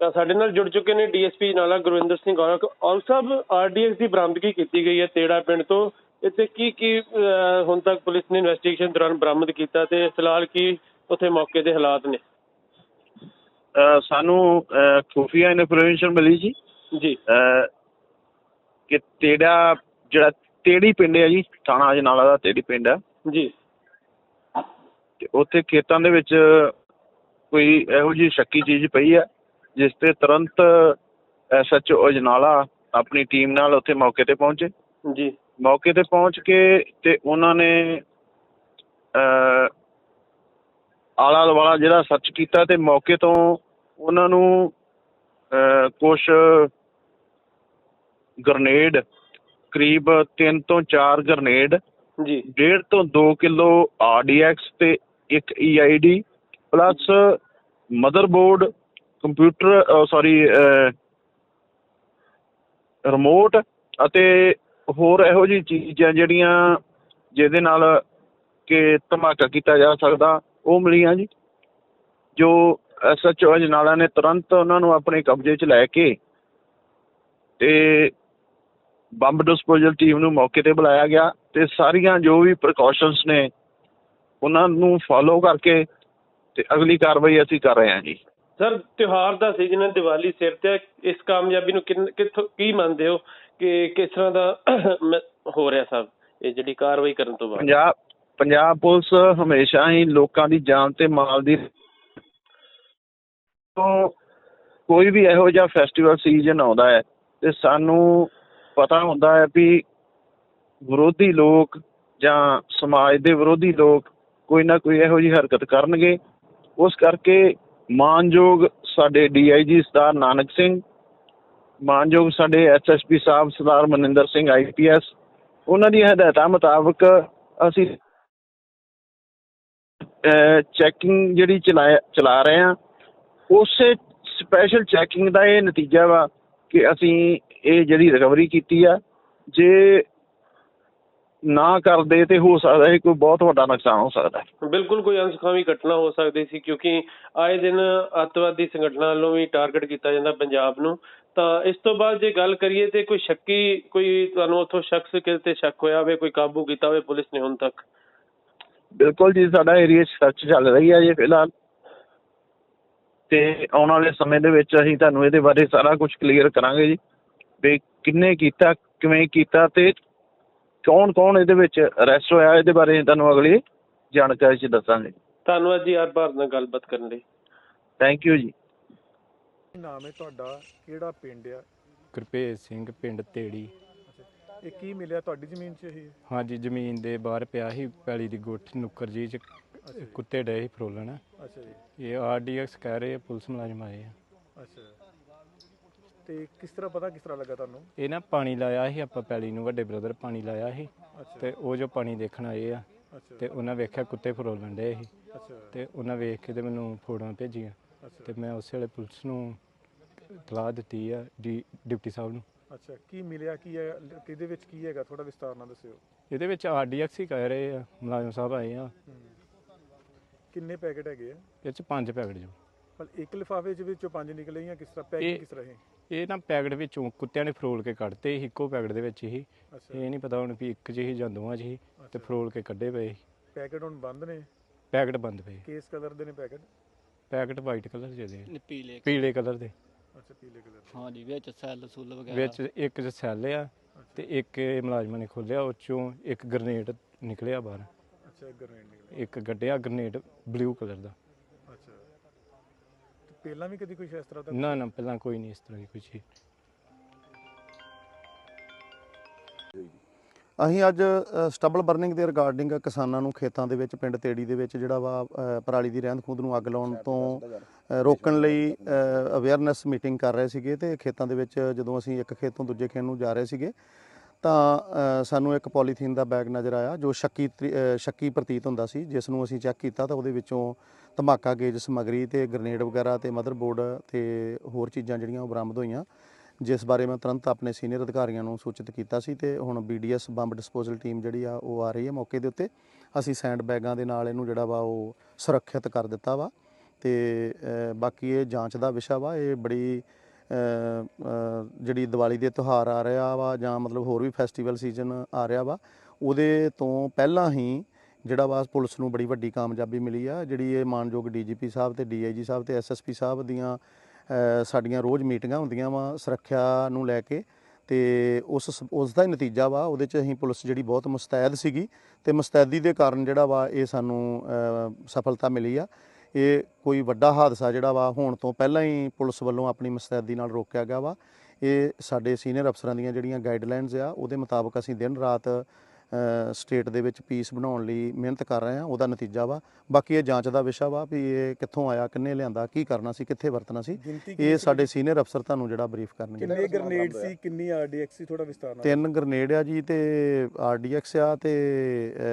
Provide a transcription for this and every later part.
ਤਾਂ ਸਾਡੇ ਨਾਲ ਜੁੜ ਚੁੱਕੇ ਨੇ ਡੀਐਸਪੀ ਨਾਲਾ ਗੁਰਵਿੰਦਰ ਸਿੰਘ ਔਲ ਸਾਹਿਬ। ਆਰਡੀਐਕਸ ਦੀ ਬਰਾਮਦਗੀ ਕੀਤੀ ਗਈ ਹੈ ਤੇੜਾ ਪਿੰਡ ਤੋਂ। ਇੱਥੇ ਕੀ ਹੁਣ ਤੱਕ ਪੁਲਿਸ ਨੇ ਇਨਵੈਸਟੀਗੇਸ਼ਨ ਦੌਰਾਨ ਬਰਾਮਦ ਕੀਤਾ ਤੇ ਫਿਲਹਾਲ ਕੀ ਉੱਥੇ ਮੌਕੇ ਦੇ ਹਾਲਾਤ ਨੇ? ਸਾਨੂੰ ਖੁਫੀਆ ਇਨਫੋਰਮੇਸ਼ਨ ਮਿਲੀ ਜੀ ਕਿ ਤੇੜਾ ਜਿਹੜਾ ਤੇੜੀ ਪਿੰਡ ਹੈ ਜੀ, ਥਾਣਾ ਅਜਨਾਲਾ ਦਾ ਤੇੜੀ ਪਿੰਡ ਹੈ ਜੀ। ਤੇ ਉੱਥੇ ਖੇਤਾਂ ਦੇ ਵਿੱਚ ਕੋਈ ਇਹੋ ਜਿਹੀ ਸ਼ੱਕੀ ਚੀਜ਼ ਪਈ ਹੈ, ਜਿਸ ਤੇ ਤੁਰੰਤ SHO ਅਜਨਾਲਾ ਆਪਣੀ ਟੀਮ ਨਾਲ ਉੱਥੇ ਮੌਕੇ ਤੇ ਪਹੁੰਚੇ ਜੀ। ਮੌਕੇ ਤੇ ਪਹੁੰਚ ਕੇ ਤੇ ਉਹਨਾਂ ਨੇ ਆਲਾ ਦੁਆਲਾ ਜਿਹੜਾ ਸਰਚ ਕੀਤਾ ਤੇ ਮੌਕੇ ਤੋਂ ਉਹਨਾਂ ਨੂੰ ਕੁਛ ਗਰਨੇਡ, ਕਰੀਬ 3 ਤੋਂ 4 ਗਰਨੇਡ ਜੀ, 1.5 ਤੋਂ 2 ਕਿਲੋ RDX ਤੇ 1 EID plus motherboard, computer remote ਅਤੇ ਹੋਰ ਇਹੋ ਜਿਹੀ ਚੀਜ਼ਾਂ ਜਿਹੜੀਆਂ ਜਿਹਦੇ ਨਾਲ ਕਿ ਧਮਾਕਾ ਕੀਤਾ ਜਾ ਸਕਦਾ, ਉਹ ਮਿਲੀਆਂ ਜੀ। ਜੋ SHO ਅਜਨਾਲਾ ਨੇ ਤੁਰੰਤ ਉਹਨਾਂ ਨੂੰ ਆਪਣੇ ਕਬਜ਼ੇ 'ਚ ਲੈ ਕੇ ਤੇ ਬੰਬ ਡਿਸਪੋਜ਼ਲ ਟੀਮ ਨੂੰ ਮੌਕੇ ਤੇ ਬੁਲਾਇਆ ਗਿਆ ਤੇ ਸਾਰੀਆਂ ਜੋ ਵੀ ਪ੍ਰੀਕਾਸ਼ਨਸ ਨੇ ਉਹਨਾਂ ਨੂੰ ਫੋਲੋ ਕਰਕੇ ਤੇ ਅਗਲੀ ਕਾਰਵਾਈ ਅਸੀਂ ਕਰ ਰਹੇ ਹਾਂ ਜੀ। ਸਰ, ਤਿਉਹਾਰ ਦਾ ਸੀਜ਼ਨ ਹੈ, ਦੀਵਾਲੀ ਸਿਰ ਤੇ, ਇਸ ਕਾਮਯਾਬੀ ਨੂੰ ਕਿੱਥੋਂ ਕੀ ਮੰਨਦੇ ਹੋ ਕਿ ਕਿਸ ਤਰ੍ਹਾਂ ਦਾ ਹੋ ਰਿਹਾ ਸਰ ਇਹ ਜਿਹੜੀ ਕਾਰਵਾਈ ਕਰਨ ਤੋਂ ਬਾਅਦ? ਪੰਜਾਬ ਪੁਲਿਸ ਹਮੇਸ਼ਾ ਹੀ ਲੋਕਾਂ ਦੀ ਜਾਨ ਤੇ ਮਾਲ ਦੀ ਤੋਂ ਕੋਈ ਵੀ ਇਹੋ ਜਿਹਾ ਫੈਸਟੀਵਲ ਸੀਜ਼ਨ ਆਉਂਦਾ ਹੈ ਤੇ ਸਾਨੂੰ ਪਤਾ ਹੁੰਦਾ ਹੈ ਵੀ ਵਿਰੋਧੀ ਲੋਕ ਜਾਂ ਸਮਾਜ ਦੇ ਵਿਰੋਧੀ ਲੋਕ ਕੋਈ ਨਾ ਕੋਈ ਇਹੋ ਜਿਹੀ ਹਰਕਤ ਕਰਨਗੇ। ਉਸ ਕਰਕੇ ਮਾਨਯੋਗ ਸਾਡੇ DIG ਸਰਦਾਰ ਨਾਨਕ ਸਿੰਘ, ਮਾਨਯੋਗ ਸਾਡੇ SSP ਸਾਹਿਬ ਸਰਦਾਰ ਮਨਿੰਦਰ ਸਿੰਘ IPS, ਉਹਨਾਂ ਦੀਆਂ ਹਦਾਇਤਾਂ ਮੁਤਾਬਕ ਅਸੀਂ ਚੈਕਿੰਗ ਜਿਹੜੀ ਚਲਾ ਰਹੇ ਹਾਂ। ਉਸੇ ਸਪੈਸ਼ਲ ਚੈਕਿੰਗ ਦਾ ਇਹ ਨਤੀਜਾ ਵਾ ਕਿ ਅਸੀਂ ਇਹ ਜਿਹੜੀ ਰਿਕਵਰੀ ਕੀਤੀ ਆ। ਜੇ ਨਾ ਕਰਦੇ ਤੇ ਹੋ ਸਕਦਾ ਹੈ ਕੋਈ ਬਹੁਤ ਵੱਡਾ ਨੁਕਸਾਨ ਹੋ ਸਕਦਾ ਹੈ। ਬਿਲਕੁਲ, ਕੋਈ ਅਣਸੁਖਾਵੀ ਘਟਨਾ ਹੋ ਸਕਦੀ ਸੀ ਕਿਉਂਕਿ ਆਏ ਦਿਨ ਅੱਤਵਾਦੀ ਸੰਗਠਨਾਂ ਵੱਲੋਂ ਵੀ ਟਾਰਗੇਟ ਕੀਤਾ ਜਾਂਦਾ ਪੰਜਾਬ ਨੂੰ। ਤਾਂ ਇਸ ਤੋਂ ਬਾਅਦ ਜੇ ਗੱਲ ਕਰੀਏ ਤੇ ਕੋਈ ਸ਼ੱਕੀ, ਕੋਈ ਤੁਹਾਨੂੰ ਉੱਥੋਂ ਸ਼ਖਸ ਕਿਤੇ ਸ਼ੱਕ ਹੋਇਆ ਹੋਵੇ, ਕੋਈ ਕਾਬੂ ਕੀਤਾ ਹੋਵੇ ਪੁਲਿਸ ਨੇ ਹੁਣ ਤੱਕ? ਬਿਲਕੁਲ ਜੀ, ਸਾਡਾ ਏਰੀਆ 'ਚ ਸਰਚ ਚੱਲ ਰਹੀ ਹੈ ਜੀ ਫਿਲਹਾਲ, ਤੇ ਆਉਣ ਵਾਲੇ ਸਮੇਂ ਦੇ ਵਿੱਚ ਅਸੀਂ ਤੁਹਾਨੂੰ ਇਹਦੇ ਬਾਰੇ ਸਾਰਾ ਕੁਛ ਕਲੀਅਰ ਕਰਾਂਗੇ ਜੀ ਵੀ ਕਿਹਨੇ ਕੀਤਾ, ਕਿਵੇਂ ਕੀਤਾ ਤੇ ਕੌਣ ਕੌਣ ਇਹਦੇ ਵਿੱਚ ਅਰੈਸਟ ਹੋਇਆ। ਇਹਦੇ ਬਾਰੇ ਤੁਹਾਨੂੰ ਅਗਲੀ ਜਾਣਕਾਰੀ 'ਚ ਦੱਸਾਂਗੇ। ਧੰਨਵਾਦ ਜੀ ਹਰ ਨਾਲ ਗੱਲਬਾਤ ਕਰਨ ਲਈ। ਥੈਂਕ ਯੂ ਜੀ। ਕੀ ਨਾਮ ਹੈ ਤੁਹਾਡਾ, ਕਿਹੜਾ ਪਿੰਡ ਆ? ਗੁਰਭੇਜ ਸਿੰਘ, ਪਿੰਡ ਤੇੜੀ। ਇਹ ਕੀ ਮਿਲਿਆ ਤੁਹਾਡੀ ਜ਼ਮੀਨ 'ਚ ਇਹ? ਹਾਂਜੀ, ਜ਼ਮੀਨ ਦੇ ਬਾਹਰ ਪਿਆ ਸੀ ਪੈਲੀ ਦੀ ਗੁੱਠ ਨੁੱਕਰ ਜੀ 'ਚ ਕੁੱਤੇ ਡਏ ਸੀ ਫਰੋਲਣ। ਅੱਛਾ ਜੀ। ਇਹ RDX ਕਹਿ ਰਹੇ ਆ, ਪੁਲਿਸ ਮੁਲਾਜ਼ਮ ਆਏ ਆ। ਅੱਛਾ, ਤੇ ਕਿਸ ਤਰ੍ਹਾਂ ਲੱਗਾ ਤੁਹਾਨੂੰ? ਇਹ ਨਾ ਪਾਣੀ ਲਾਇਆ ਸੀ ਆਪਾਂ ਪੈਲੀ ਨੂੰ, ਵੱਡੇ ਬ੍ਰਦਰ ਪਾਣੀ ਲਾਇਆ ਸੀ ਅੱਛਾ ਤੇ ਉਹ ਜੋ ਪਾਣੀ ਦੇਖਣ ਆਏ ਆ ਅੱਛਾ ਤੇ ਉਹਨਾਂ ਵੇਖਿਆ ਕੁੱਤੇ ਫਰੋਲਣ ਡਏ ਸੀ ਅੱਛਾ ਤੇ ਉਹਨਾਂ ਵੇਖ ਕੇ ਤੇ ਮੈਨੂੰ ਫੋਟੋਆਂ ਭੇਜੀਆਂ ਤੇ ਮੈਂ ਉਸੇ ਵੇਲੇ ਪੁਲਿਸ ਨੂੰ ਇਤਲਾਹ ਦਿੱਤੀ ਆ, ਡਿਪਟੀ ਸਾਹਿਬ ਨੂੰ। ਅੱਛਾ, ਕੀ ਮਿਲਿਆ, ਕੀ ਹੈ, ਕਿਹਦੇ ਵਿੱਚ ਕੀ ਹੈਗਾ, ਥੋੜਾ ਵਿਸਤਾਰ ਨਾਲ ਦੱਸਿਓ। ਇਹਦੇ ਵਿੱਚ RDX ਹੀ ਕਹਿ ਰਹੇ ਆ, ਮੁਲਾਜ਼ਮ ਸਾਹਿਬ ਆਏ ਆ। ਕਿੰਨੇ ਪੈਕੇਟ ਹੈਗੇ ਆ? ਇਹ 'ਚ 5 ਪੈਕਟ ਜੋ। ਪਰ ਇੱਕ ਲਿਫਾਫੇ ਦੇ ਵਿੱਚੋਂ 5 ਨਿਕਲੇ ਜਾਂ ਕਿਸ ਤਰ੍ਹਾਂ ਪੈਕੇਟ ਕਿਸ ਤਰ੍ਹਾਂ? ਇਹ ਨਾ ਪੈਕਟ ਵਿੱਚੋਂ ਕੁੱਤਿਆਂ ਨੇ ਫਰੋਲ ਕੇ ਕੱਢਤੇ ਸੀ, ਇੱਕੋ ਪੈਕਟ ਦੇ ਵਿੱਚ ਹੀ। ਇਹ ਨਹੀਂ ਪਤਾ ਹੁਣ ਵੀ ਇੱਕ 'ਚ ਹੀ ਜਾਂ ਦੋਵਾਂ 'ਚ ਹੀ ਤੇ ਫਰੋਲ ਕੇ ਕੱਢੇ ਪਏ ਸੀ। ਪੈਕੇਟ ਹੁਣ ਬੰਦ ਨੇ? ਪੈਕਟ ਬੰਦ ਪਏ। ਕਿਸ ਕਲਰ ਦੇ ਨੇ ਪੈਕਟ? ਪੈਕਟ ਵਾਈਟ ਕਲਰ ਦੇ, ਪੀਲੇ ਕਲਰ ਦੇ। ਅੱਛਾ, ਪੀਲੇ ਕਲਰ ਦੇ। ਹਾਂਜੀ, ਵਿੱਚ ਸੈੱਲ ਸੁੱਲ ਵਗੈਰਾ ਵਿੱਚ ਇੱਕ 'ਚ ਸੈੱਲ ਆ ਤੇ ਇੱਕ ਮੁਲਾਜ਼ਮਾਂ ਨੇ ਖੋਲਿਆ, ਉਹ 'ਚੋਂ ਇੱਕ ਗ੍ਰਨੇਡ ਨਿਕਲਿਆ ਬਾਹਰ। ਅੱਛਾ, ਇੱਕ ਗ੍ਰਨੇਡ ਨਿਕਲਿਆ। ਇੱਕ ਗੱਡਿਆ ਗ੍ਰਨੇਡ ਬਲੂ ਕਲਰ ਦਾ। ਅੱਛਾ, ਤੇ ਪਹਿਲਾਂ ਵੀ ਕਦੀ ਕੁਝ ਇਸ ਤਰ੍ਹਾਂ ਦਾ? ਨਾ, ਪਹਿਲਾਂ ਕੋਈ ਨਹੀਂ ਇਸ ਤਰ੍ਹਾਂ ਦੀ ਕੋਈ ਚੀਜ਼। ਅਸੀਂ ਅੱਜ ਸਟਬਲ ਬਰਨਿੰਗ ਦੇ ਰਿਗਾਰਡਿੰਗ ਕਿਸਾਨਾਂ ਨੂੰ ਖੇਤਾਂ ਦੇ ਵਿੱਚ ਪਿੰਡ ਤੇੜੀ ਦੇ ਵਿੱਚ ਜਿਹੜਾ ਵਾ ਪਰਾਲੀ ਦੀ ਰਹਿੰਦ ਖੂੰਹਦ ਨੂੰ ਅੱਗ ਲਾਉਣ ਤੋਂ ਰੋਕਣ ਲਈ ਅਵੇਅਰਨੈਸ ਮੀਟਿੰਗ ਕਰ ਰਹੇ ਸੀਗੇ। ਤੇ ਖੇਤਾਂ ਦੇ ਵਿੱਚ ਜਦੋਂ ਅਸੀਂ ਇੱਕ ਖੇਤ ਤੋਂ ਦੂਜੇ ਖੇਤ ਨੂੰ ਜਾ ਰਹੇ ਸੀਗੇ ਤਾਂ ਸਾਨੂੰ ਇੱਕ ਪੋਲੀਥੀਨ ਦਾ ਬੈਗ ਨਜ਼ਰ ਆਇਆ ਜੋ ਸ਼ੱਕੀ ਪ੍ਰਤੀਤ ਹੁੰਦਾ ਸੀ, ਜਿਸ ਨੂੰ ਅਸੀਂ ਚੈੱਕ ਕੀਤਾ ਤਾਂ ਉਹਦੇ ਵਿੱਚੋਂ ਧਮਾਕਾ ਗੇਜ ਸਮੱਗਰੀ ਤੇ ਗ੍ਰਨੇਡ ਵਗੈਰਾ ਤੇ ਮਦਰਬੋਰਡ ਤੇ ਹੋਰ ਚੀਜ਼ਾਂ ਜਿਹੜੀਆਂ ਉਹ ਬਰਾਮਦ ਹੋਈਆਂ, ਜਿਸ ਬਾਰੇ ਮੈਂ ਤੁਰੰਤ ਆਪਣੇ ਸੀਨੀਅਰ ਅਧਿਕਾਰੀਆਂ ਨੂੰ ਸੂਚਿਤ ਕੀਤਾ ਸੀ। ਤੇ ਹੁਣ BDS ਬੰਬ ਡਿਸਪੋਜ਼ਲ ਟੀਮ ਜਿਹੜੀ ਆ ਉਹ ਆ ਰਹੀ ਹੈ ਮੌਕੇ ਦੇ ਉੱਤੇ। ਅਸੀਂ ਸੈਂਡ ਬੈਗਾਂ ਦੇ ਨਾਲ ਇਹਨੂੰ ਜਿਹੜਾ ਵਾ ਉਹ ਸੁਰੱਖਿਅਤ ਕਰ ਦਿੱਤਾ ਵਾ ਤੇ ਬਾਕੀ ਇਹ ਜਾਂਚ ਦਾ ਵਿਸ਼ਾ ਵਾ। ਇਹ ਬੜੀ ਜਿਹੜੀ ਦੀਵਾਲੀ ਦੇ ਤਿਉਹਾਰ ਆ ਰਿਹਾ ਵਾ ਜਾਂ ਮਤਲਬ ਹੋਰ ਵੀ ਫੈਸਟੀਵਲ ਸੀਜ਼ਨ ਆ ਰਿਹਾ ਵਾ, ਉਹਦੇ ਤੋਂ ਪਹਿਲਾਂ ਹੀ ਜਿਹੜਾ ਵਾ ਪੁਲਿਸ ਨੂੰ ਬੜੀ ਵੱਡੀ ਕਾਮਯਾਬੀ ਮਿਲੀ ਆ। ਜਿਹੜੀ ਇਹ ਮਾਨਯੋਗ DGP ਸਾਹਿਬ ਤੇ DIG ਸਾਹਿਬ ਤੇ SSP ਸਾਹਿਬ ਦੀਆਂ ਸਾਡੀਆਂ ਰੋਜ਼ ਮੀਟਿੰਗਾਂ ਹੁੰਦੀਆਂ ਵਾ ਸੁਰੱਖਿਆ ਨੂੰ ਲੈ ਕੇ, ਤੇ ਉਸ ਦਾ ਹੀ ਨਤੀਜਾ ਵਾ। ਉਹਦੇ 'ਚ ਅਸੀਂ ਪੁਲਿਸ ਜਿਹੜੀ ਬਹੁਤ ਮੁਸਤੈਦ ਸੀਗੀ ਤੇ ਮੁਸਤੈਦੀ ਦੇ ਕਾਰਨ ਜਿਹੜਾ ਵਾ ਇਹ ਸਾਨੂੰ ਸਫਲਤਾ ਮਿਲੀ ਆ। ਇਹ ਕੋਈ ਵੱਡਾ ਹਾਦਸਾ ਜਿਹੜਾ ਵਾ ਹੋਣ ਤੋਂ ਪਹਿਲਾਂ ਹੀ ਪੁਲਿਸ ਵੱਲੋਂ ਆਪਣੀ ਮੁਸਤੈਦੀ ਨਾਲ ਰੋਕਿਆ ਗਿਆ ਵਾ। ਇਹ ਸਾਡੇ ਸੀਨੀਅਰ ਅਫਸਰਾਂ ਦੀਆਂ ਜਿਹੜੀਆਂ ਗਾਈਡਲਾਈਨਸ ਆ ਉਹਦੇ ਮੁਤਾਬਕ ਅਸੀਂ ਦਿਨ ਰਾਤ ਸਟੇਟ ਦੇ ਵਿੱਚ ਪੀਸ ਬਣਾਉਣ ਲਈ ਮਿਹਨਤ ਕਰ ਰਹੇ ਹਾਂ। ਉਹਦਾ ਨਤੀਜਾ ਵਾ। ਬਾਕੀ ਇਹ ਜਾਂਚ ਦਾ ਵਿਸ਼ਾ ਵਾ ਵੀ ਇਹ ਕਿੱਥੋਂ ਆਇਆ, ਕਿੰਨੇ ਲਿਆਂਦਾ, ਕੀ ਕਰਨਾ ਸੀ, ਕਿੱਥੇ ਵਰਤਣਾ ਸੀ, ਇਹ ਸਾਡੇ ਸੀਨੀਅਰ ਅਫਸਰ ਤੁਹਾਨੂੰ ਜਿਹੜਾ ਬਰੀਫ ਕਰਨਗੇ। ਕਿੰਨੇ ਗ੍ਰੇਨੇਡ ਸੀ, ਕਿੰਨੀ RDX ਸੀ, ਥੋੜਾ ਵਿਸਤਾਰ ਨਾਲ। 3 ਗ੍ਰੇਨੇਡ ਆ ਜੀ, ਤੇ RDX ਆ, ਤੇ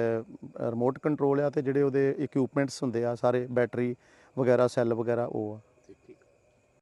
ਰਿਮੋਟ ਕੰਟਰੋਲ ਆ, ਤੇ ਜਿਹੜੇ ਉਹਦੇ ਇਕਵਿਪਮੈਂਟਸ ਹੁੰਦੇ ਆ ਸਾਰੇ ਬੈਟਰੀ ਵਗੈਰਾ, ਸੈੱਲ ਵਗੈਰਾ, ਉਹ ਆ।